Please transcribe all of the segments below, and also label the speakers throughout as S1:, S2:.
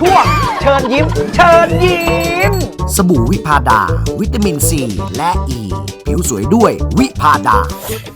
S1: ช่วงเชิญยิ้มเชิญยิ้ม
S2: สบู่วิพาดาวิตามินซีและอ e. ีผิวสวยด้วยวิพาดา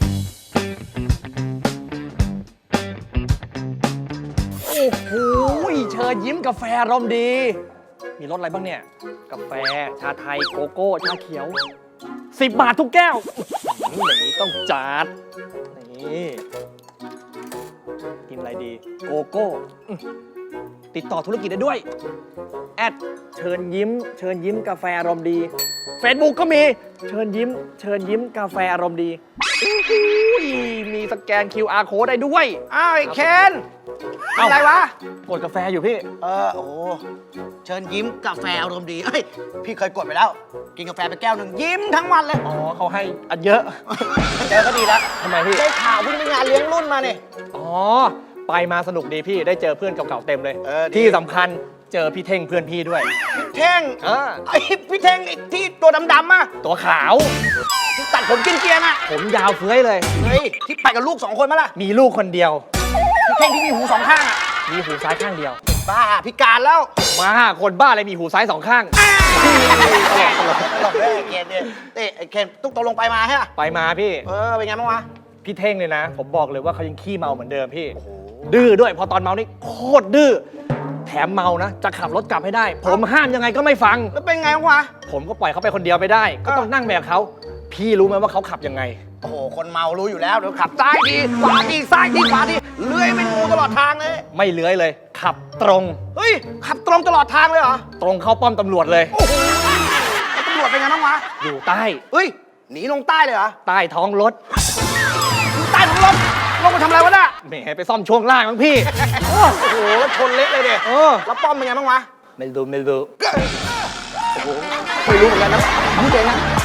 S1: โอ้โหเชิญยิ้มกาแฟอารมณ์ดีมีรสอะไรบ้างเนี่ยกาแฟชาไทยโกโก้ชาเขียว10 บาททุกแก้วอย่างนี้ต้องจัดนี่กินอะไรดีโกโก้ติดต่อธุรกิจได้ด้วยแอดเชิญยิ้มกาแฟอารมณ์ดี Facebook ก็มีเชิญยิ้มกาแฟอารมณ์ดีมีสแกน QR Code ได้ด้วย
S3: อ้าวไอ้เคนอะไรวะ
S1: กดกาแฟอยู่พี่
S3: โอ้เชิญยิ้มกาแฟอารมณ์ดีเอ้ยพี่เคยกดไปแล้ว กินกาแฟไปแก้วหนึ่งยิ้มทั้งวันเลย
S1: อ๋อเขาให้อันเยอะ
S3: เจอก็ดีแล้ว
S1: ทำไมพี่
S3: ได้ข่าวเพิ่งไปงานเลี้ยงรุ่นมาเนี่ย
S1: อ๋อไปมาสนุกดีพี่ได้เจอเพื่อนเก่าๆเต็มเลย
S3: ที่
S1: ที่สำคัญเจอพี่เท่งเพื่อนพี่ด้วย
S3: พี่เท่งไอ้พี่เท่งไอ้ที่ตัวดำๆอ่ะ
S1: ตัวขาว
S3: ที่ตัดผมกินเกียร์น่ะ
S1: ผมยาวเฟ้ยเลย
S3: เฮ้ยที่ไปกับลูก2 คนมั้ยล่ะ
S1: มีลูกคนเดียว
S3: พี่เท่งที่มีหู2 ข้างอ่ะ
S1: มีหูซ้ายข้างเดียว
S3: บ้าพิการแล้ว
S1: มาคนบ้าอะไรมีหูซ้าย2 ข้าง
S3: ตลกเลยไอ้เคนเนี่ยไอ้เคนตุ๊กตกลงไปมาใช่ป่ะ
S1: ไปมาพี่
S3: เป็นไงบ้างวะ
S1: พี่เท่งเลยนะผมบอกเลยว่าเขายังขี้เมาเหมือนเดิมพี่ดื้อด้วยพอตอนเมานี่โคตรดื้อแถมเมานะจะขับรถกลับให้ได้ผมห้ามยังไงก็ไม่ฟัง
S3: แล้วเป็นไงวะ
S1: ผมก็ปล่อยเขาไปคนเดียวไปได้ก็ต้องนั่งแบบเขาพี่รู้ไหมว่าเขาขับยังไง
S3: โอ้โหคนเมารู้อยู่แล้วเดี๋ยวขับซ้ายทีขวาทีซ้ายทีขวาทีเลื้อยเป็นงูตลอดทางเลย
S1: ไม่เลื้อยเลยขับตรง
S3: เฮ้ยขับตรงตลอดทางเลยเหรอ
S1: ตรงเข้าป้อมตำรวจเลย
S3: โอ้โหตำรวจเป็นไงบ้างวะ
S1: อยู่ใต้
S3: เฮ้ยหนีลงใต้เลยเหรอ
S1: ใต้ท้องรถ
S3: อยู่ใต้ท้องรถลงมาทำอะไรวะน่ะ
S1: แหมไปซ่อมช่วงล่างมั้งพี่
S3: โอ้โหแล้วชนเละเลยเด็แล้วป้อมเป็นไงบ้างวะ
S1: ไม่รู้
S3: โอ้โหไม่รู้เหมือนกันนะรู้เองนะ